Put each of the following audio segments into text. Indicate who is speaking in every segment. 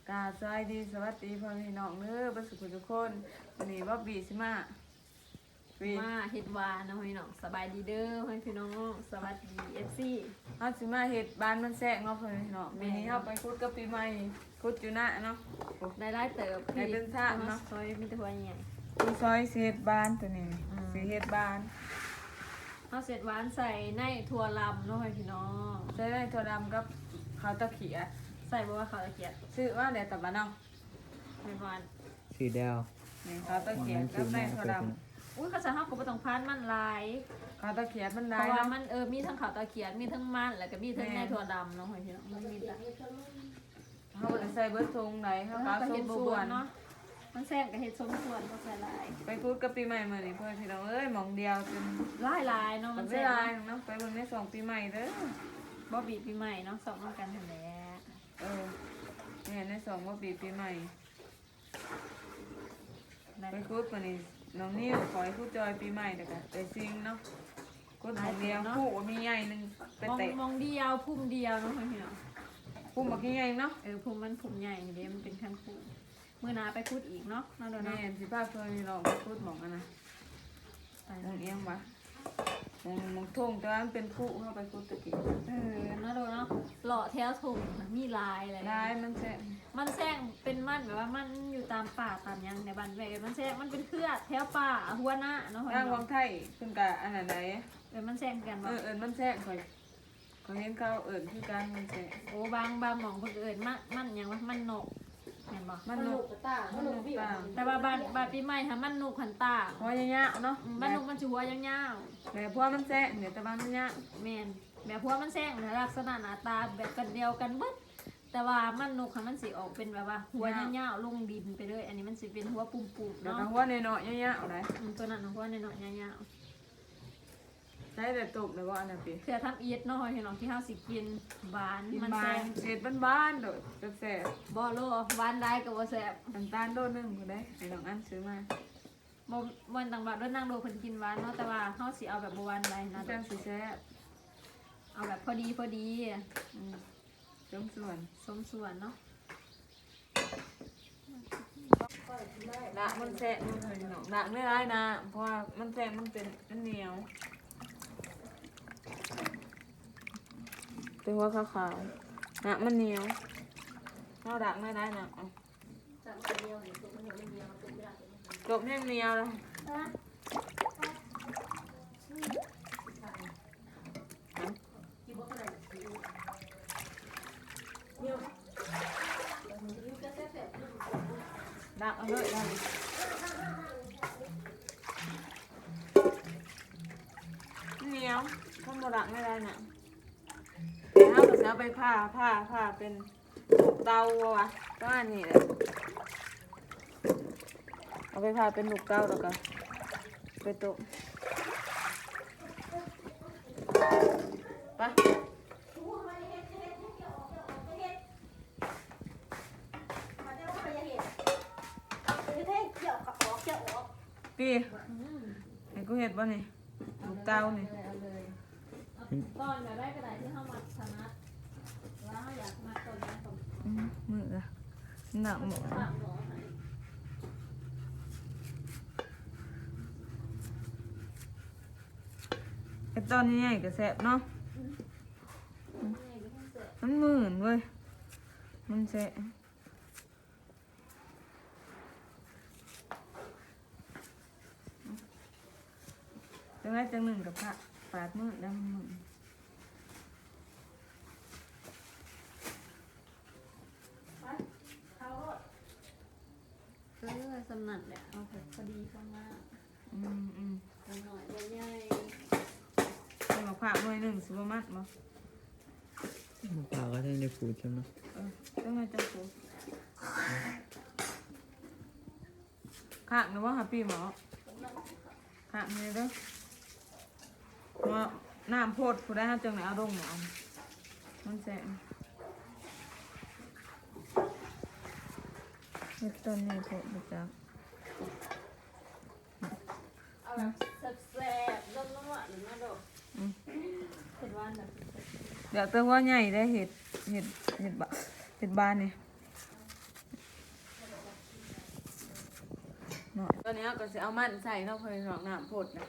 Speaker 1: กาสวัสดีสวัสดีพ่อพี่น้องเด้อประสุขทุกคนวันนี้ว่าบีสิมา
Speaker 2: มาเฮ็ดวานนะพี่น้องสบายดีเด้อพี่น้องสวัสดีFC
Speaker 1: เฮาสิมาเฮ็ดบ้านมันแซะเนาะพ่อพี่น้องวันนี้เฮาไปคุดกับปีใหม่คุดอยู่นะเนาะ
Speaker 2: ได้เติบ
Speaker 1: ได้เป็นชาติเนาะ
Speaker 2: ซอยมีแต่หัวใหญ่
Speaker 1: ผู้ซอยสิเฮ็ดบ้านตัวนี้สิเฮ็ดบ้าน
Speaker 2: เฮาเสร็จหวานใส่ในถั่วลำเนาะพี่น้อง
Speaker 1: ใช้ได้ถั่วดำกับข้าวตะเขีย
Speaker 2: ใส่บ่ว่าข้าวตะเกียบ
Speaker 1: ซื้อมาแต่ตะบ้านเนาะ
Speaker 2: ให้หวาน
Speaker 3: สีแดว
Speaker 1: นี่ข้าวตะเขียกับในถั่วดำ
Speaker 2: อุ้ยเขาจะเฮาก็บ่ต้องพานมันหลาย
Speaker 1: ข้าวตะเขียมัน
Speaker 2: เพ
Speaker 1: ได้
Speaker 2: ราะว่า
Speaker 1: เนาะ
Speaker 2: มันมีทั้งข้าวตะเกียบมีทั้งมันแล้วก็มีทั้งในถั่วดำเนาะพี่น้องมันมีแต่
Speaker 1: เฮาบ่ได้ใส่เบิดทงไหนเฮา
Speaker 2: เฮา
Speaker 1: ก็
Speaker 2: ก็
Speaker 1: ส่
Speaker 2: เฮ็
Speaker 1: ง
Speaker 2: ดบ่
Speaker 1: ส่
Speaker 2: เบิ
Speaker 1: ว
Speaker 2: ด
Speaker 1: น
Speaker 2: เนาะมันแซ่บก็เฮ็ดสมส่วนบ่ใส่หลาย
Speaker 1: ไปคุดกับปีใหม่มื้อนี้พ่อพี่น้องเอ้ยหม่องเดียวจน
Speaker 2: หลายเนาะ
Speaker 1: มั
Speaker 2: มัน น
Speaker 1: เว
Speaker 2: แซ่บ
Speaker 1: ลาเนาะไปเบิ่งในสองปีใหม่เด้อ
Speaker 2: บ่บีบปีใหม่เนาะสอบนำกันนั่นแหละ
Speaker 1: เนี่ยในสองว่าปีใหม่
Speaker 2: ได้
Speaker 1: ไปคุดวันนี้น้องนิ้วขอให้คุดจอยปีใหม่เด้อค่ะไปซิงเนาะคุดของเดียวคู่ว่ามีใหญ่หนึงไป
Speaker 2: มอง
Speaker 1: เตะ
Speaker 2: มองเดียวพุ่มเดียวเนาะพี่น้อง
Speaker 1: คู่บักใหญ่เนาะ
Speaker 2: พุ่มมันพุ่มใหญ่เดี๋ยวมันเป็นขั้นพุ่มเมื่อหนาไปพูดอีกเนาะนั่นเดี๋ยว
Speaker 1: แม่
Speaker 2: เนาะ
Speaker 1: สิพาเพิ่นนี่เราไปคุดหมองอันนะมองเอียงวะมองทุ่งแต่ว่ามันเป็นคู่เข้าไปคุดตะกี้
Speaker 2: นั่นเดี๋ยวเนาะหล่อแถวถุงมีลายอะไร
Speaker 1: ได้มันแซ่
Speaker 2: มันแซงเป็นมันแบบว่ามันอยู่ตามป่าตามยังในบ้านแวกมันแซงมันเป็นเครือแถวป่าหัวหน้าเนาะ
Speaker 1: ทางวังไทยเพิ่นก็อันนั้นใด
Speaker 2: มันแซงกันว่า
Speaker 1: มันแซ่ข่อยเห็นเขาคือการมันแซ่
Speaker 2: โอ้บางหมองเพิ่นเอิญมันยังว่ามันนกเห็นบ่
Speaker 1: มันนกตามันนกตา
Speaker 2: แต่ว่าบ้านปีใหม่ค่ะมันนกขันตา
Speaker 1: หัวยาวๆเนาะ
Speaker 2: บ้านนกมันจะหัวยาว
Speaker 1: แต่พวกมันแซ่เดี๋ยวแต่บ้านมันยาว
Speaker 2: ๆแม่นแบบพวกมันแซงลักษณะหน้าตาแบบกันเดียวกันเบิดแต่ว่ามันนกค่ะมันสิออกเป็นแบบว่าหัวยาวๆลงดินไปเลยอันนี้มันสิเป็นหัวปุ่มๆ
Speaker 1: เดี๋ยว
Speaker 2: เนาะ
Speaker 1: ทางหัวในเนาะยาวๆได้
Speaker 2: ตัวนั้นหัวในเนาะยาว
Speaker 1: ใช้แต่ตกเลยว่าอันนั้นปี
Speaker 2: ๆเพื่อทำอีทเนาะพี่น้องที่เฮาสิกินหวาน
Speaker 1: กิน
Speaker 2: มัน
Speaker 1: บ้า
Speaker 2: แซ่
Speaker 1: น
Speaker 2: บ
Speaker 1: เศษบ้านๆโดดแซ่บ
Speaker 2: บ่โลหวานได้ก็บ่แซ่บ
Speaker 1: น้ำตาลโดนหนึงก็ได้ให้น้องอันซื้อมา
Speaker 2: บ่ต่างบัดด้วยนางโดเพิ่นกินหวานเนาะแต่ว่าเฮาสิเอาแบบบ่หวานได้นะ
Speaker 1: จังสิแซ่บ
Speaker 2: เอาแบบพอดี
Speaker 1: จงส่วน
Speaker 2: สมส่วนเนาะ
Speaker 1: ละมันแซ่บมันเลยน้องละไม่ได้นะเพราะว่ามันแซ่บมันเป็นมันเหนียวเป็นหัวขาวๆนะมันเหนียวเราดักไม่ได้นะเอาจบแห้งเหนียวเลยดักเอาเลยดักเหนียวถ้าโมดักไม่ได้นะแต่ถ้าเราจะเอาไปผ้าเป็นลูกเตาวะก็อันนี้แหละเอาไปผ้าเป็นลูกเตาแล้วก็ไปตุกไป ปีไอ้กูเห็ดบ่นี่ลูกเต้านี่
Speaker 2: เอาเลยก่อนแบบได้กระดาษที่เฮามัดถนัดว่าเฮาอยากมัดต้นนั้นต้น
Speaker 1: มืออะหนักหมด
Speaker 2: ฝากหมอให้
Speaker 1: ไอ้ตอนนี้ใหญ่ก็แสบเนาะมันหมื่นเว้ยมันแสบจังไรจังหนึ่งกับพระปาดมือดำมือ
Speaker 2: สำนักแหละเอาแบบพอดีข้างหน้า
Speaker 1: อืม
Speaker 2: หน่อยใหญ่
Speaker 1: ให้มาพระหน่วยหนึ่งสิบมัดมา
Speaker 3: มะพร้าวก็ได้ในฟูดใช่ไหม
Speaker 1: จังไรจังกูข้างหรือว่าหาปีหมอข้างเลยเด้อมาน้ำโพดผู้ได้ห้าจังไหนเอาดงหมอมันแสบเฮ็ดต้นนี้โพดไปจัก
Speaker 2: เอาแบบแซ่บๆนุ่มๆหรือมาดอกเห็นว่าแบบ
Speaker 1: เดี๋ยวแต่ว่าใหญ่ได้เห็ดบานนี่ตอนนี้ก็จะเอามันใส่เข้าไปหลอกน้ำพดนะ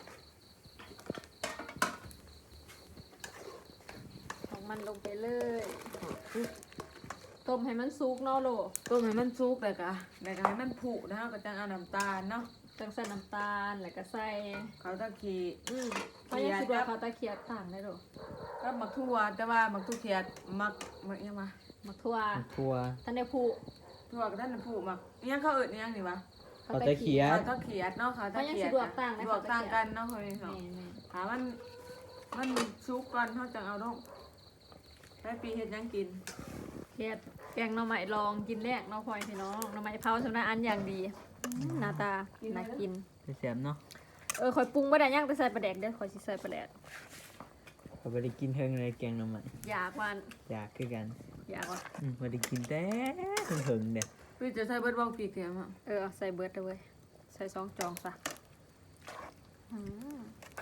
Speaker 2: ของมันลงไปเลยต้มให้มันสุกเนาะโล
Speaker 1: ต้มให้มันสุกเลยกะให้มันผุนะก็จะเอาน้ำตาลเนาะ
Speaker 2: จังใส่น้ำตาลแล้วก็ใส่
Speaker 1: เขาตะกี้
Speaker 2: เขายังคิดว่าเขาตะเคียบต่างได้หรอ
Speaker 1: ก็หมักทั่วแต่ว่าหมักทั่วเขียดหมักยังมา
Speaker 2: หมักทั่ว
Speaker 3: ทัว
Speaker 2: ท่านได้ผู้
Speaker 1: ทั่วกับท่านผูหมักยังเขาเอิดยังนี่วะ
Speaker 3: เขาตะเคีย
Speaker 1: เขา
Speaker 3: ด
Speaker 1: ตะเขียดเนาะเขาตะเขียด
Speaker 2: เขายังสิลวกต่างนะ
Speaker 1: ลวกต่างกันเนาะเฮ้ย
Speaker 2: แม่
Speaker 1: เนาะ
Speaker 2: แม่
Speaker 1: ถามมันสุกก่อนเขาจะเอาลงได้ปีเฮ็ดยังกิน
Speaker 2: เฮ็ดแกงหน่อไม้ลองกินแรกเนาะพ่อยพี่น้องหน่อไม้เผาสำนักอันอย่างดีหน้าตาน่ากิน
Speaker 3: เสียมเนาะ
Speaker 2: ข่อยปรุงบ่ได้ยังแต่ใส่ปลาแดกเด้อข่อยสิใส่ปลาแดก
Speaker 3: เขาไปได้กินเทิงเลยแกงหน่อไม้
Speaker 2: อยากวัน
Speaker 3: อยากคือกัน
Speaker 2: อยากว่า
Speaker 3: มาได้กินแต่เทิงเด้อ
Speaker 1: พี่จะใส่เบิดบ้องปีกเขียมอ่ะ
Speaker 2: ใส่เบิดเลยเว้ยใส่2 จองซะอืม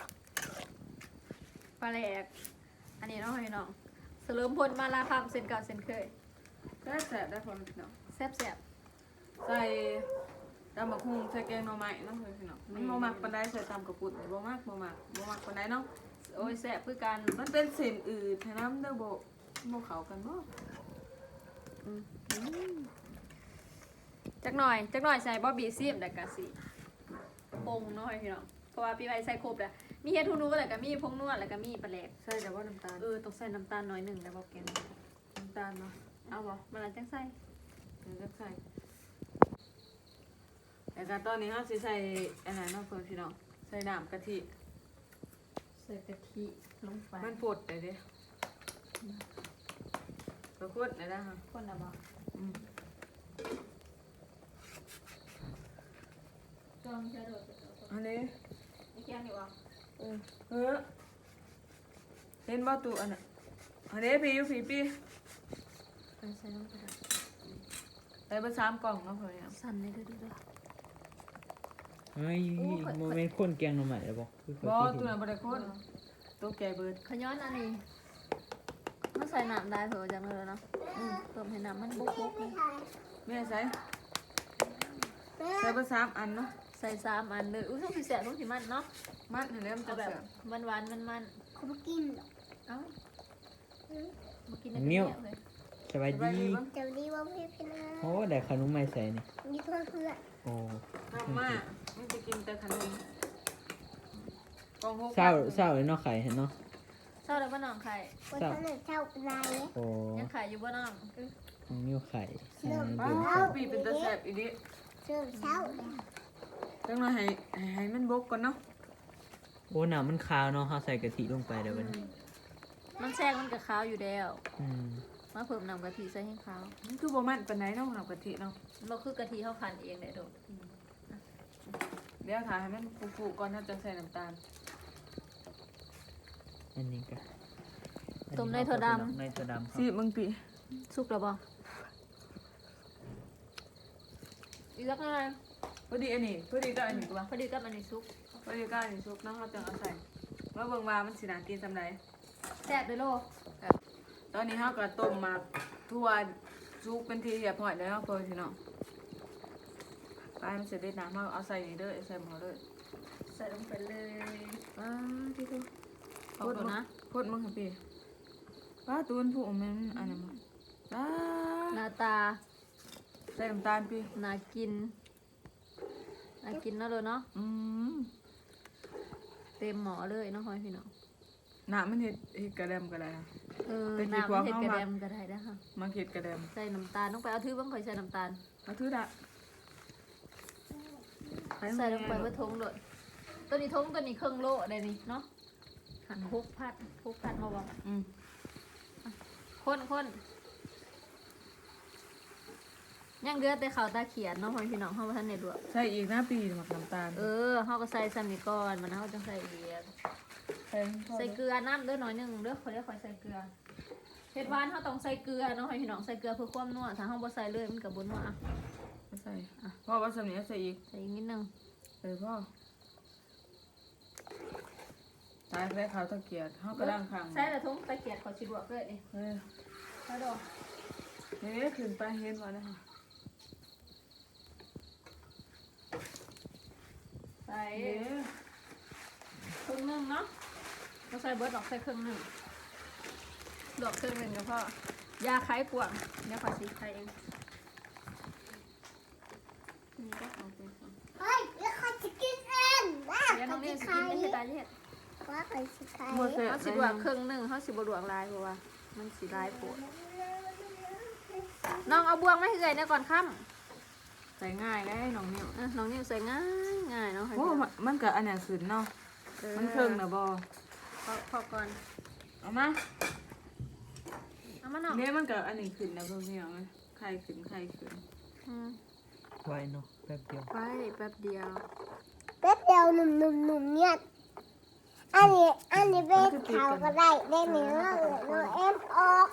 Speaker 2: ปลาแดกอันนี้เนาะพี่น้องเสริมพลมาลาคำเส้นเก่าเส้นเคย
Speaker 1: ได้แสบได้ผลเนาะ
Speaker 2: แซ่บ
Speaker 1: ใส่ตำบักหุ่งใส่แกงหน่อไม้เนาะเฮ้ยเนาะมันบ่มักปานใดใส่ตำกระปุกบ่มักปานใดเนาะ
Speaker 2: โอ้ยแซ่บคือกัน
Speaker 1: มันเป็นเส้นอืดให้น้ำเด้อบ่เข้ากันบ่
Speaker 2: จักหน่อยใส่บอบบี้ซีมแต่กะสิปรุงเนาะพี่น้องเพราะว่าพี่ไว้ใส่ครบแล้วมีเฮ็ดทูนูแล้วก็มีผงนวดแล้วก็มีปลาแหลก
Speaker 1: ใส่แต่ว่าน้ำตาล
Speaker 2: ต้องใส่น้ำตาลน้อยหนึงแล้วบอกแกง
Speaker 1: น้ำตาลเนาะ
Speaker 2: เอาบ่มันละจังใส่
Speaker 1: เดี๋ยวจะใส่แต่ก็ตอนนี้เฮาสิใส่อันนั้นเนาะเพิ่นพี่น้องใส่น้ำกะทิ
Speaker 2: ใส่กะทิลงไป
Speaker 1: มันปดได้เด้ก็กดได้นะฮะ
Speaker 2: คนละบ่
Speaker 1: อืม
Speaker 2: จองจะโดด
Speaker 1: อันนี้
Speaker 2: นี่แกงอยู่บ่
Speaker 1: เออเห็นบ่ตู้อันน่ะอันนี้พี่อยู่พี่
Speaker 2: ใส่ลงไป
Speaker 1: ใส่เบ่3กล่องเนาะเพิ่นเนี่ย
Speaker 2: สั่นได้ดูๆ
Speaker 3: เฮ้ยโมเมนต์คนแกงหน่อไม้แล้วบอกคือเขา
Speaker 1: บ่
Speaker 3: คิด
Speaker 1: ตู้นั้นบ่ได้คนตู้แก่เบิด
Speaker 2: ขย้อนอันนี้มันใส่น้ำได้เถอะจังเลยเนาะเติมให้น้ำมันบุกๆเลย
Speaker 1: แม่ใส่เบ่3อันเนาะ
Speaker 2: ใส่3 อันเลยต้องสิแซ่บต้องสิมันเนาะ
Speaker 1: มันนั่นแหละมัน
Speaker 2: เอา
Speaker 1: จะ
Speaker 2: แบบ
Speaker 1: เสีย
Speaker 2: มันหวานมัน
Speaker 4: เขาไม่กินหรอก
Speaker 2: เอ้ามากินได้เป็นเนี่ยเลย
Speaker 3: สบาย
Speaker 1: สบาย
Speaker 3: ดี
Speaker 1: ดีบ่
Speaker 4: เดี๋ยวนี้ว่าพี่พี่นะ
Speaker 3: โอ้ได้ขนมใหม่ใส่นี่
Speaker 4: มีเพื่อนเพื่อน
Speaker 3: โอ้
Speaker 1: ทำมามันจะกินแต่ขนมกล่อง6
Speaker 3: เศร้าเลยเนาะไข่เห็นเนาะ
Speaker 2: เศร้าแล้วบ่น้องไข่
Speaker 4: วันนั้นเช่าเป็นไร
Speaker 3: โอ้
Speaker 2: ยังไข่อยู่บ่น้อง
Speaker 3: นิ้วไข่ใส่ใน
Speaker 1: ว้า
Speaker 3: เดือด
Speaker 1: วปีเป็นตะแสบอีดิ
Speaker 4: เชื่อเช่าเลย
Speaker 1: จังเลยให้มันบกก่อนเนาะ
Speaker 3: โอ้น้ำมันขาวเนาะเขาใส่กะทิลงไปเดี๋ยวมัน
Speaker 2: มันแทรกมันกับขาวอยู่แล้ว
Speaker 3: อืม
Speaker 2: มาเพิ่มน้ำกะทิใส่ให้ขาว
Speaker 1: มันคือบ่มันปานไหนเนาะน้ำกะทิเนาะ
Speaker 2: มันคือกะทิเขาคั้นเองได้ดอก
Speaker 1: เดี๋ยวค่ะให้มันฟูๆก่อนถ้าจะใส่น้ำตาล
Speaker 3: อันนี้ก็
Speaker 2: ต้มในถั่วด
Speaker 3: ในถั่วดำครับ
Speaker 1: สิมึงปี
Speaker 2: ำสุกแล้วบ่อีกสักหน่อย
Speaker 1: พอดีอันนี้พอดีก็อันนี้ตัว
Speaker 2: พอดีกับอันนี้สุก
Speaker 1: พอดีก็อันนี้ซุปเนาะเราจะเอาใส่แล้วเบิ่งว่ามันสิน่ากินซำใด
Speaker 2: แซ่บเลยโล
Speaker 1: ตอนนี้เฮาก็ต้มมาทั่วซุปเป็นทีเรียบร้อยแล้วเพิ่นพี่น้องไปมันเสร็จได้น้ำเฮาเอาใส่นี่เด้อใส่หม้อเด้อ
Speaker 2: ใส่ลงไปเลย
Speaker 1: ที่คือ
Speaker 2: ขอบคุณนะ
Speaker 1: พดมึงค่ะพี่ป้าตูนผู้แม่นอันนั้นมาป้า
Speaker 2: หน้าตา
Speaker 1: ใส่น้ำตาลพี่
Speaker 2: น่ากินน่ากินเนาะเลยเนาะ
Speaker 1: อืม
Speaker 2: เต็มหม้อเลยเนาะพ่อพี่น้อง
Speaker 1: น้ำมันเห็ดกระเดมก็ได้นะ เป็นกี่
Speaker 2: น้ำ
Speaker 1: พวง
Speaker 2: เห็ด
Speaker 1: เข้ามา
Speaker 2: กระเดมก็ได้นะค่ะ
Speaker 1: มาเห็ดกระเดม
Speaker 2: ใส่น้ำตาลต้องไปเอาถือบ้างคอยใส่น้ำตาล
Speaker 1: มาถือดะ
Speaker 2: ใส่ลงไปเพื่อทงเลยตัวนี้ทงตัวนี้ครึ่งโลได้นี่เนาะหั่น6 พัดมาบอก
Speaker 1: อืม
Speaker 2: คนยังเดือดแต่เขาวตาเขียนเนาะพ่อพี่น้องเฮาบ่ทันได้ลวก
Speaker 1: ใส่อีกนะปีหมักน้ำตาล
Speaker 2: เฮาก็ใส่ซ้ำนี่ก่อนมันเฮาจังใส่อีก
Speaker 1: ใส่
Speaker 2: ใส่เกลือน้ำเด้อหน่อยหนึงเด้อขอเรียกขอใส่เกลือเฮ็ดหวานเฮาต้องใส่เกลือเนาะพ่อพี่น้องใส่เกลือเพื่อความนัวถ้าเฮาบ่ใส่เลยมันก็บ่นัวอ่ะ
Speaker 1: ใส่พ่อว่าสำเนียงใส่อีก
Speaker 2: ใส่อีกนิดนึง
Speaker 1: พ่อตายแล้วเขาวตะเกียบเขากระด้างข้าง
Speaker 2: ใส่แล้วทงตะเกียบขอสิลวกเลยนี่
Speaker 1: เฮ้ย
Speaker 2: ใส่ดอก
Speaker 1: นี่ขึ้นไปเห็นว่านะคะ
Speaker 2: ใส่ครึ่งหนึงเนาะเราใส่เบิร์ดออกใส่ครึ่งหนึงดอกครึ่งหนึงก็พอยาคล้ายปวงเดี๋ยวขอสีไข่เองนี่ก็เอาไปก่อน
Speaker 4: เฮ้ยแล้วเขาจะกินเองนะ
Speaker 2: เดี๋ยวน้
Speaker 4: เขา
Speaker 2: องนี่
Speaker 4: จะ
Speaker 2: สิ
Speaker 4: ขา
Speaker 2: กิน
Speaker 4: ย
Speaker 2: ไม่ใช่ตาเห็ด
Speaker 4: ว่าเขาจะขาย
Speaker 1: หมดเสร็จ
Speaker 2: เขาสิบวกครึ่งหนึงเขาสิบวกลายเพราะว่ามันสีลายปวดน้องเอาบวงมาให้เลยเนี่ยก่อนค่ำ
Speaker 1: ใส่ง่ายได้น้องนิ้ว
Speaker 2: น้องนิวใส่ง่ายง่ายเนาะ
Speaker 1: โอ้มันก็อันเนี้ยขึ้นเนาะมันเคิงนะบ่
Speaker 2: พอก่อน
Speaker 1: เอามา
Speaker 2: เอามาเนาะ
Speaker 1: เนี่ยมันก็อันนี้ขึ้นนะพวกนี้เอาไหมไข่ขึ้น
Speaker 2: อืม
Speaker 3: ไว้เนาะแป๊บเดียว
Speaker 2: ไปแป๊บเดียว
Speaker 4: แป๊บเดียวหนุ่มเนี่ยอันนี้เป็นเขาก็ได้ได้เนื้อเลยเอ็มออก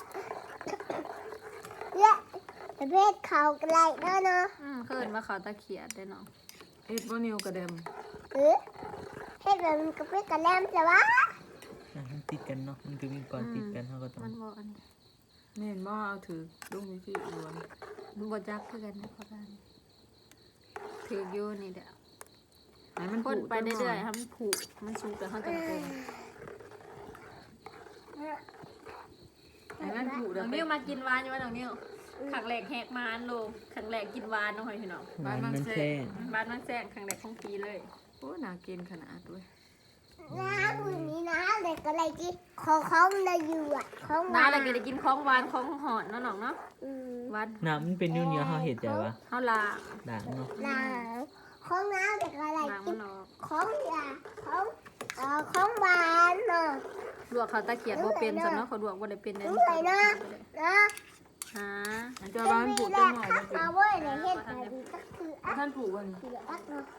Speaker 4: และเพศเขาก็ได้เนาะ
Speaker 2: เคยเห็นว่าเขาตะเขียดได้เนาะ
Speaker 1: เอ็ดบ่นิ้วกระเดม
Speaker 4: เออเพศแบบมันก็เป็นกระแลมใช่ปะ
Speaker 3: มันติดกันเนาะมันก็มีก่อนติดกันเขาก็ต้อง
Speaker 2: มันบอกอันนี้
Speaker 1: แม่นบ่เอาถือลุงวิธีอ้วน
Speaker 2: มันบจักคือกันนะเขาได้ถืออยู่นี่เดี๋ยว
Speaker 1: ให้มัน
Speaker 2: พ่นไปเรื่อยๆให้มันผูกมันสูงแต่เขาจะโกง
Speaker 1: ให้มันผูก
Speaker 2: น้องนิวมากินหวานอยู่ว่าน้องนิวขังแหลกแหกมานลงขังแหลกกินหวานน้องหอยพี่น้อง
Speaker 3: มันแช่
Speaker 2: บ้านมันแซงขังแหลกของปีเลย
Speaker 1: โอ้น่ากินขนาดด้วย
Speaker 4: น้ำมือนี้นะเด็กอะไรที่ของเลยอยู่อ่ะของ
Speaker 2: น้าเราก็ได้กินของหวานของหอนเนาะน้องเนาะหวาน
Speaker 3: น้ำมันเป็นนิ้วเหนียวเขาเห็ดใจวะ
Speaker 2: เฮาลา
Speaker 3: ด่างเนาะ
Speaker 4: น้ำของน้ำเด็กอะไร
Speaker 2: ล้าง
Speaker 4: กิ
Speaker 2: มัน นออก
Speaker 4: ของยาของหวานเนาะ
Speaker 2: ลวกเขาตะเกียบบ่เป็นสำเนาะเขาลวกบ่ได้เป็นเลย
Speaker 4: รู้เลยนะนะ
Speaker 2: ฮะ
Speaker 1: อันจะบ้านผูกจังหน่อย
Speaker 4: ทักมาเว้ยในเฮ็ดแบบนี้ก็คืออ่ะ
Speaker 1: ท่านผูกวัน
Speaker 4: คืออักเนาะ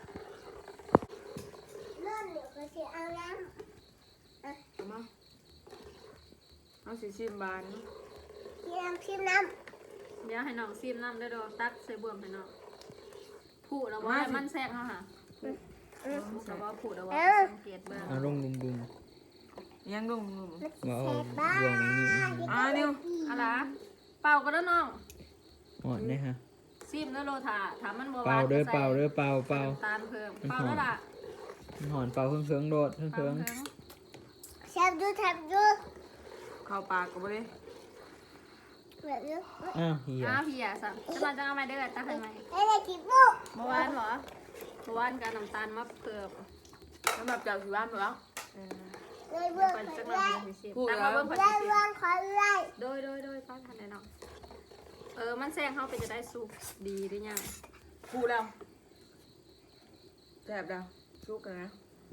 Speaker 4: เลื่อนเดี๋ยวก็จะเอาน้ำ
Speaker 1: เอามาเอาสีชิมบาน
Speaker 4: ชิมน้
Speaker 2: เดี๋ยวให้น้องซิมน้ำได้ดอกตักใส่บ่วงให้น้องผูดแล้วว่าให้มันแทรกเฮาค่ะผูดแล้วว่าผูดแล้วว่าสังเกตเบิ่ง
Speaker 3: เอาลงบุ้ม
Speaker 1: ยังลุง
Speaker 4: ำ
Speaker 3: ๆว่าเอา
Speaker 4: บ้า
Speaker 3: บวงนี้
Speaker 1: นิ้ว
Speaker 2: เอาล่ะเป่าก็เด้อน้อง
Speaker 3: อ่อนเนี่ยฮะ
Speaker 2: ซิมเด้อโลถาถามมันบ่หวาน
Speaker 3: เป่าเด้อ
Speaker 2: ก็ใส่
Speaker 3: เป่าเด้อเป่าเป่า
Speaker 2: น้ำตาลเพิ่มเป่าแล้วล่ะ
Speaker 3: มันหอนเป่าเครื่องโดดเครื่อง
Speaker 2: เป่าเพิ่ม
Speaker 4: แทบดู
Speaker 1: เข้าปากก็บ่ได้
Speaker 4: แบบนี้
Speaker 3: อ้าวเหี้ย
Speaker 2: อ้าวพี่อ่ะสับจะมาจะเอามาเด้อตักให้ไหม
Speaker 4: ไอ้เด็กกินปุ๊บ
Speaker 2: เมื่อวานเหรอเมื่อวานกับน้ำตาลมาเพิ่ม
Speaker 1: สำหรับเจ้าสิบ้านหมดแล้ว
Speaker 4: เลยเบื่อ
Speaker 2: ก่อน
Speaker 4: ขอ
Speaker 2: สักห
Speaker 4: ไล่
Speaker 2: น่อยสิตักมาเบิ่งก่อน
Speaker 4: ไล่
Speaker 2: สิ
Speaker 4: วางขอไล่
Speaker 2: โดยป้าทันได้เนาะมันแซงเข้าไปจะได้สุกดีหรือยัง
Speaker 1: ผูกแล้วแซ่บแล้วชุกกันนะ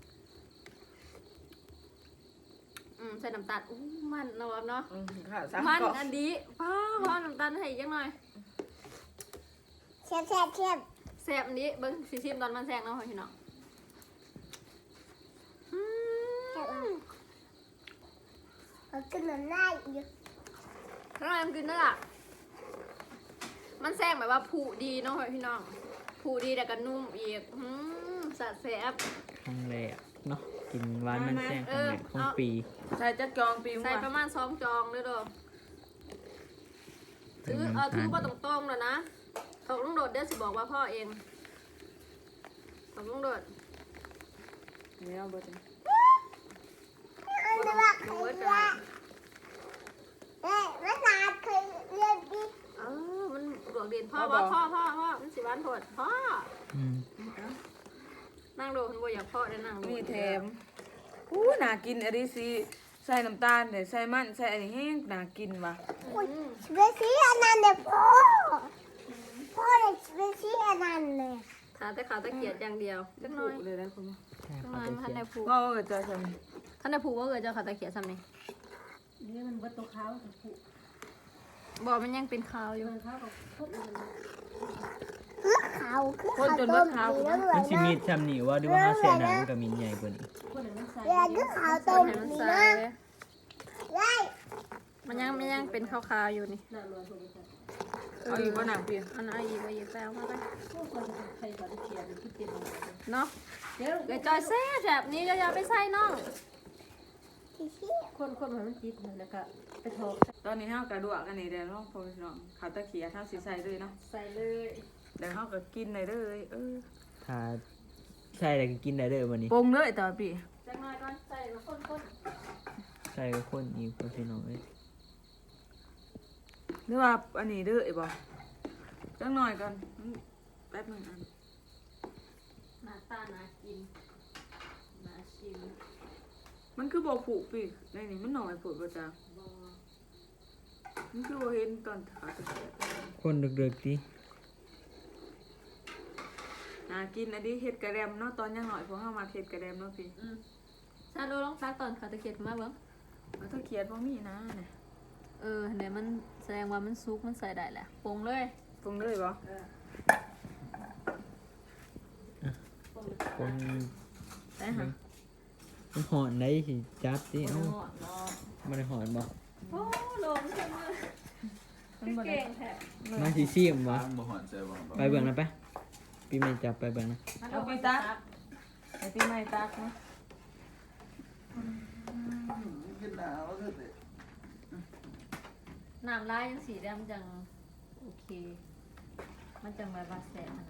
Speaker 2: ใส่น้ำตาลอู้มันเนาะเนาะ
Speaker 1: ค่ะสาม
Speaker 2: มัน
Speaker 1: กล่อง
Speaker 2: อันดีพ่อน้ำตาลให้อีกจังหน่อย
Speaker 4: เชียบ
Speaker 2: แซ่บอันนี้เบิ่งสิชิมตอนมันแซงเนาะพี่น้อง
Speaker 4: เขากินน้ำลายอยู่
Speaker 2: ข้างในมันกินได้ล่ะมันแซงแบบว่าผูดีเนาะพี่น้องผูดีแต่ก็นุ่มอีกสะแซ่บ
Speaker 3: ครั้งแรกเนาะกินหวานมันแซงครั้งแรกของปี
Speaker 1: ใส่จักจองปี
Speaker 2: ใส่
Speaker 1: มั้ง
Speaker 2: ประมาณ2 จองเด้อเด้อถือว่าตรงๆแล้วนะตกลุงโดดเดี๋ยวสิบอกว่าพ่อเองตกลุงโดด
Speaker 1: เนี่ยเบิดเลย
Speaker 4: อันนี้ว่าเคยเรียนเอ้ยภาษาเคยเรียนดิ
Speaker 2: มันหลวงเด่นพ่อมันสิบ้านโทษพ่อ
Speaker 3: อืม
Speaker 2: นั่งดูคุณบัวอยากพ่อได้นั่งดู
Speaker 1: มีแถมน่ากินอันนี้สิใส่น้ำตาลเนี่ยใส่มันใส่อันนี้แห้งน่ากินว่ะ
Speaker 4: อุ้ยเบซี่อันนั้นเนี่ยพ่อเลยเบซี่อันนั้นเลย
Speaker 2: ขาแต่ขาตะเกียดอย่างเดียวจัง
Speaker 1: ผู
Speaker 2: น้อย
Speaker 1: กเลยนะคุณ
Speaker 3: ใช่
Speaker 2: จัง
Speaker 3: เขา
Speaker 2: น้อย
Speaker 3: ไป
Speaker 2: ท่าน
Speaker 3: เขีย
Speaker 2: ได้
Speaker 3: น
Speaker 2: ผูก
Speaker 1: ว่าก็จะท
Speaker 2: ท่านได้ผูกว่าเกิดจะขาตะเกียดซ้ำนี่
Speaker 5: นี่มันเบิดตัวขาวกับผู้
Speaker 2: บอกมันยังเป็นขาวอยู่
Speaker 5: มันขาวกับพวกอื่น
Speaker 4: คือเขาคือเขาต้มดีแล้วเหมื
Speaker 3: มั
Speaker 4: อน น
Speaker 3: สิ
Speaker 4: นะ
Speaker 3: มีดซ้ำนี่ว่าดูว่าเขาเสียหนังมันก็มีใหญ่กว่านี้
Speaker 5: คนอื่นมันใส่
Speaker 4: เวลาคือเขา
Speaker 2: ต้
Speaker 4: ต้
Speaker 2: น
Speaker 4: ม
Speaker 2: ให้มัน
Speaker 4: ดี
Speaker 2: ใส่
Speaker 4: นะไล่
Speaker 2: มันยังเป็นขาวๆอยู่นี่
Speaker 5: หน้าลอยคนอื่นใส่
Speaker 1: ำเอาอีกว่าหนังเปลี่ยน
Speaker 2: อันนั้นอีกว่าอีกแล้วมาได้
Speaker 5: พวกคนใครก็ได้เขียนที่เต็มเลย
Speaker 2: เนาะ
Speaker 5: เดี๋ยว
Speaker 2: เกิดจอยแซ่แบบนี้ก็อย่าไปใส่น้อง
Speaker 4: ที่ชี้
Speaker 5: คนมันติดแล้วก็ไปทอก
Speaker 1: ตอนนี้เฮากระดูกอันนี้เดี๋ยวน้องพ่อพี่น้องเขาตะเขียเท่าสีใส่ด้วยเนาะ
Speaker 5: ใส่เลย
Speaker 1: เดี๋ยวเฮาก็กินเลยเลย
Speaker 3: ถ้าใส่อะไรก็กินได้เด้อวันนี้
Speaker 1: ปรุงเลยต่อปี
Speaker 2: จังน้อยก่อนใส่แล้วคน
Speaker 3: ใส่ก็คนอีกคนพี่น้องเอ้ย
Speaker 1: หรือว่าอันนี้เด้อไอ้บ่จังหน่อยกันแป๊บหนึงอัน
Speaker 2: หน้าตาน่ากินน่าชิม
Speaker 1: มันคือบ่ผูกปีในนี่มันหน่อยผูกบ่จ้า
Speaker 2: บ่
Speaker 1: มันคือบ่เห็นตอนขาจะแตก
Speaker 3: คนดึกๆดิ
Speaker 1: น่ากินอันนี้เฮ็ดกระแดมเนาะตอนยังหน่อยพวกเฮามาเฮ็ดกระแดมเนาะพี่
Speaker 2: ชาโดลองตักตอนเขาตะเกียบมาเบิ่ง
Speaker 1: แล้วถ้าเขียนบ่มีนะเนี่ย
Speaker 2: เนี่ยมันแสดงว่ามันซุกมันใส่ได้แหละปรุงเลย
Speaker 1: ปรุงเลยบ่
Speaker 3: คน
Speaker 1: ได้หะ
Speaker 3: มันหอนได้สิจับดิเอ้า
Speaker 1: บ่ฮอดเนาะ
Speaker 3: บ่ได้หอนบ่
Speaker 2: โอ้ลงใช่มือ
Speaker 1: มันบ่ได้
Speaker 2: เก่งแท้
Speaker 3: มาสิซิมบ่
Speaker 6: บ้างบ่หอนใจบ่
Speaker 3: ไปเบิ่งนะไปพี่แม่จับไปเบิ่งนะ
Speaker 1: เอาไปตักไอ้ปีใหม่ตักเนาะ
Speaker 6: กินหนาวเด้อเด้
Speaker 2: น้ำลายยังสีแดงจังโอเค มันจังแบบว่าแสบนะ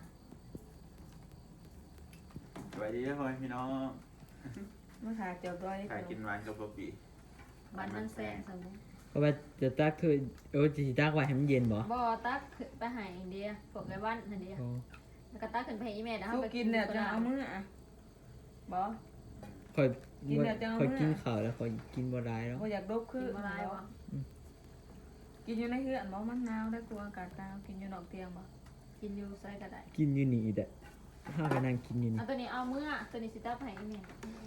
Speaker 6: สวัสดีทุกคนพี่น้อง
Speaker 1: มาหาเจียวตัวนี้
Speaker 6: ใครกินหวานกับบะหมี่
Speaker 2: มันมันแสบสมมุติ
Speaker 3: เพราะว่าจะตักเธอสิตักไว้ให้มันเย็นบ่
Speaker 2: บ่ตักขึ้นไปให้อินเดียพวกไอ้วันนั่นเดีย
Speaker 3: โอ้
Speaker 2: แล้วก็ตักขึ้นไปให้อีแม่แล้ว
Speaker 1: สู้
Speaker 2: ไป
Speaker 1: กินเนี่ยจะเอามืออ่ะบ่
Speaker 3: ค่อย
Speaker 1: กินแล้วจะเอา
Speaker 3: ค่อย
Speaker 1: มื้อ
Speaker 3: กินข้าวแล้วค่อยกินบ่ได้แล้ว
Speaker 1: บ่อยากดบคื
Speaker 2: กิ
Speaker 1: อน
Speaker 2: มาลายวะ
Speaker 1: กินอยู่ในเฮือนบ่มันหนาวได้กลัวอากาศหนาวกินอยู่นอกเตียงบ่
Speaker 2: กินอยู่ใส่ก็ได้
Speaker 3: กินอยู่นี่แหละถ้าไปนั่งกินอยู่นี่
Speaker 2: เอาตัวนี้เอามือตัวนี้สิตักให้อีแม่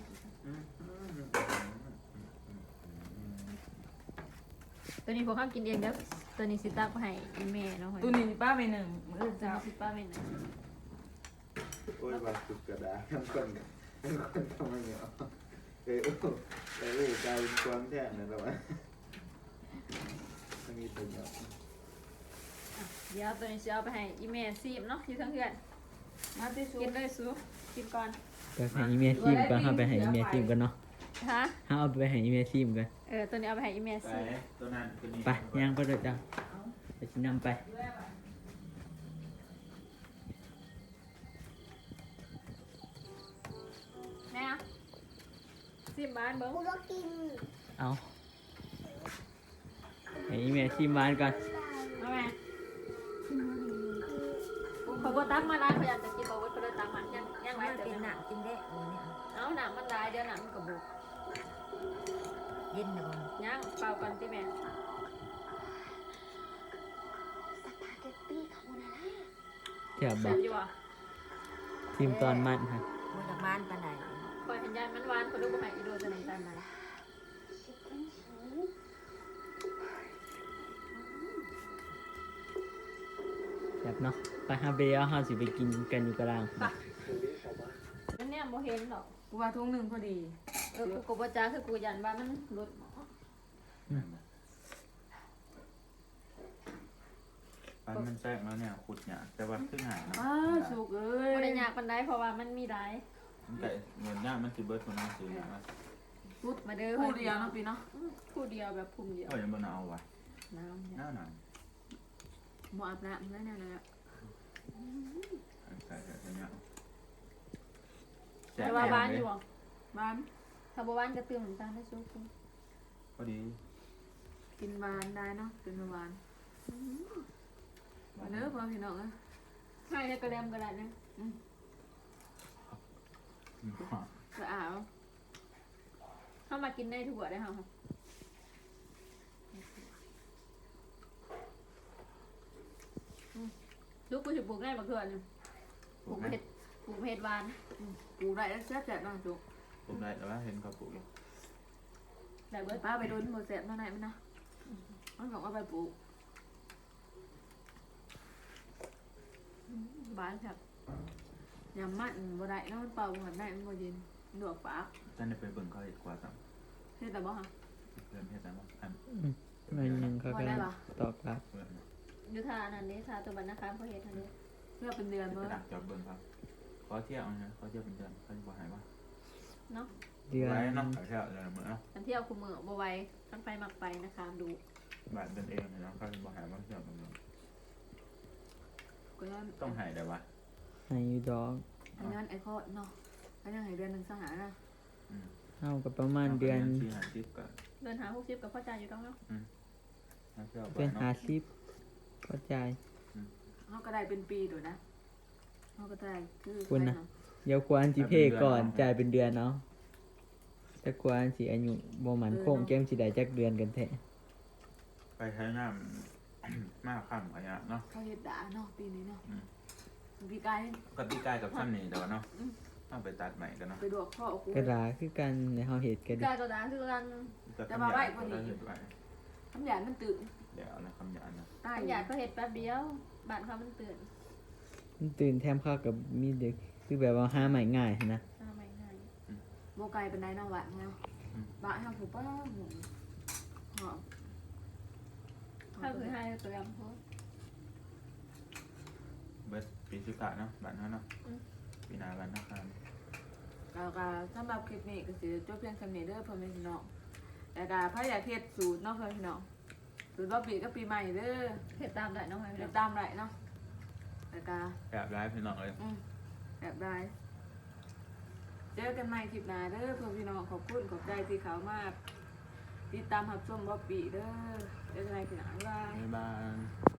Speaker 2: ตัวนี้พวกข้ากินเองเด้อตัวนี้สิตักให้อีแม่เนาะ
Speaker 1: ตู้นี้ป้าไปหนึ่งมื้อ
Speaker 2: ตัว
Speaker 1: เช้า
Speaker 2: นี้สิป้าแม่นะ
Speaker 6: โอ้ยบาสุกกระดาษทั้งคนทำไมเนี่ยเอ้ยกลายเป็นความแท้นะแล้ววะต้องมีตัวเดียว
Speaker 2: เดี๋ยวตัวนี้สิเอาไปให้อีแม่ซีมเนาะอยู่ทั้งเพื่อน
Speaker 1: มาที่สุ
Speaker 2: กิน
Speaker 1: ด
Speaker 2: เลยซูกินก่อน
Speaker 3: ไปให้อีเมลซิมก่อนห้าไปให้อีเมลซิมกันเนาะ
Speaker 2: ฮะ
Speaker 3: ห้าเอาไปให้อีเมลซิมกัน
Speaker 2: ตัวนี้เอาไปให้อีแม่
Speaker 6: ไป
Speaker 2: ซีม
Speaker 6: ตัวนั้นตัวนี้
Speaker 3: ไปย่างไปเลยจ้ะไปชินำไป
Speaker 2: แม่ซีมบ้านเบิ้ง
Speaker 4: กูก็กิน
Speaker 3: เอาให้อีเมลซิมบ้านก่อน
Speaker 2: เอาแม่เขาบอกตักมาได้เขาอยากจะกินบอกว่าเขาเลยตักมายังไงเดี๋ยวหนักกินได้เอาหนักมันได้เดี๋ยวหนักมันกระบุก
Speaker 5: เย็นนะบ่
Speaker 2: ย่างเปล่ากันที่แม่
Speaker 4: สปาเกตตี้คาโบนาร่า
Speaker 3: เทียบ
Speaker 2: เส
Speaker 3: บอ
Speaker 2: ร็
Speaker 3: ก
Speaker 2: จอยู่อ่ะ
Speaker 3: ทีมตอนมันค่ะ
Speaker 5: บ่จากบ้านปานใด
Speaker 2: คอยเห็นยายมันหวานเขาดูบ่ให้อีโดจะไหนตามไหน
Speaker 4: ชิคเก้นชีส
Speaker 3: แบบเนาะไปฮาเบียห้าสิไปกินกันอยู่กลาง
Speaker 2: นั่นเนี่ยโมเห็นหรอก
Speaker 1: กูว่าทุ่งหนึ่งพอดี
Speaker 2: กูกบจ้าคือกูยันว่ามันรุดหมอ
Speaker 6: อันมันแทรกแล้วเนี่ยขุดเนี่ยแต่ว่าขึ้นหายนะ
Speaker 1: อ้าวสุกเอ้ย
Speaker 2: บ่ได้ยากปานใดเพราะว่ามันมีได้
Speaker 6: มันไก่เงินย่ามันสิเบิร์ดคนนั้นสิเนี่ยนะ
Speaker 1: พูด
Speaker 2: มาเด้อ
Speaker 1: พูดเดียวเนาะปีเนาะ
Speaker 2: คู่เดียวแบบพุ่มเดียว
Speaker 6: ก็ยังบ่เอาไว้
Speaker 2: น้ำ
Speaker 6: หน้าหนาว
Speaker 1: บ่อาบน้ำแล้วเนี่ยเลยอะ
Speaker 6: ใส่เนี่ย
Speaker 2: แต่ว่าบ้านอยู่บ่
Speaker 1: บ้าน
Speaker 2: ถ้าบ่บ้านก็เติมน้ำตาลได้สูง
Speaker 6: พอดี
Speaker 1: กินหวานได้เนาะกินหวานมาเด้อพ่อพี่น้องเอ้ย
Speaker 2: ให้ได้กระเดมกระดาษนึง
Speaker 1: จะอาบ
Speaker 2: เข้ามากินได้ทุกวันได้ค่ะลูกกูสิปลูกได้บักเถื่อนนี่ปลูกเห็ดหวาน
Speaker 1: ปลูกได้แล้วแซ่บแซ่บน้องจุก
Speaker 6: ผมได้แต่ว่าเห็นเขาปลูกอยู่
Speaker 2: ได้เบิด
Speaker 1: ป้าไปโดนหมดแซ่บเท่าไหร่มันนะมันบอกว่าไปปลูก
Speaker 2: หวานครับ
Speaker 1: ยำมันบ่ได้เนาะมันเป่าบ่ได้มันบ่เย็นหนวกปาก
Speaker 6: ท่านได้ไปเบิ่งเขาเห็ดกว่าซ้ำ
Speaker 1: เฮ็ดแต่บ่ฮะ
Speaker 6: เริ่มเห็ดแล้วมั้งอัน
Speaker 3: มันยังเขากำลังตอบรับ
Speaker 6: เริ่ม
Speaker 2: อยู่ทานันนี้ทาตัวบันนะคะเพราะเห็ดทันนี้
Speaker 1: เพื่อเป็นเดือน
Speaker 6: ไป
Speaker 1: เบิ่ง
Speaker 6: ดักจอบเบิ่งครับขอเที่ยวนะขอเที่ยวเป็นเดือนเขาจะบอกหายว่า
Speaker 2: เนาะ
Speaker 3: เดือน
Speaker 6: ไว้เนาะขอเที่ยวเดือนละมื้อเนาะ
Speaker 2: กันเที่ยวคุมมือบ่ไหวมันไปมักไปนะคะดู
Speaker 6: บาทเป็นเองเนาะเขาจะบอกหายว่าเที่ยวเป็นเดือน
Speaker 1: ก็ย้อน
Speaker 6: ต้องหายแต่ว่า
Speaker 3: ให้อยูดอก
Speaker 1: ย้อนไอ้ข้อเนาะก็ยังให้เดือนหนึงสหานะ
Speaker 3: เอากับประมาณเดือน
Speaker 6: ที่หาทิปก่อน
Speaker 2: เดินหา60กับพ่อจ่ายอยู่ตรงเนาะ
Speaker 6: เอาเสื้อ
Speaker 3: เดือน
Speaker 6: เนาะ
Speaker 3: 50ก็จ่าย
Speaker 1: เฮาก็ได้เป็นปีโดดนะเฮาก็ได้คือ
Speaker 3: คุณนะ เดี๋ยวควรสิเพก่อนจ่ายเป็นเดือนเนาะแต่ควรสิอายุบ่มั่นคงแก้มสิได้จักเดือนกันแท้
Speaker 6: ไปใช้น้ำ มากข้ามขยะเนาะ
Speaker 1: เขาเฮ็ดด่าเนาะปีนี้เนาะ
Speaker 6: อืม
Speaker 1: พี่กาย
Speaker 6: ก็ตีกายกับซ้ำนี่เดี๋ยวเนาะเอาไปตัดใหม่กันเนาะ
Speaker 1: ไปดวกข้อกู
Speaker 3: กระดาคือกันในเฮาเฮ็ดกัน
Speaker 2: กายก็ด่าคือกัน
Speaker 1: แต่ว่าไว้กว่านี้
Speaker 6: เฮ็ดไว้
Speaker 1: ทำยานมันตื่น
Speaker 6: เดี๋ยวนะคำหยาดนะ
Speaker 1: ตาย
Speaker 2: อยากก็เฮ็ดแป๊บเดียวบ้านเขามันตื่น
Speaker 3: มันตื่นแถมข้าวกับมีเด็กคือแบบว่าหาใหม่ง่ายนะ
Speaker 2: ทำไมง่าย
Speaker 1: โบไกลเป็นไดเนาะหวานเนาะบ้านเฮาผู้ป้าหมูหอม
Speaker 2: ถ้าคือให้ตัวยังพอ
Speaker 6: เบิร์ดปีสุกะเนาะบ้านเขาเนาะปีหนาบ้านนะครับ
Speaker 1: ก็สำหรับคลิปนี้ก็สิจบเพียงเท่านี้เด้อพ่อแม่พี่น้องแต่ก็พยายามเฮ็ดสูตรเนาะพ่อแม่พี่น้องสูตรว่าปีก็ปีใหม่เด้อ
Speaker 2: เฮ็ดตามได้น้องไว้
Speaker 1: เดี๋
Speaker 2: แล้
Speaker 1: ยว วตามได้เนาะแต่ก็
Speaker 6: แบบร้ายพี่น้องเลย
Speaker 1: แบบได้เจอกันใหม่คลิปหน้าเด้อพ่อพี่น้องขอบคุณขอบใจที่เขามาติดตามรับชมบ่ปีเด้อเจอกันใหม่คลิปหน้าบ๊ายบาย
Speaker 6: บ๊ายบาย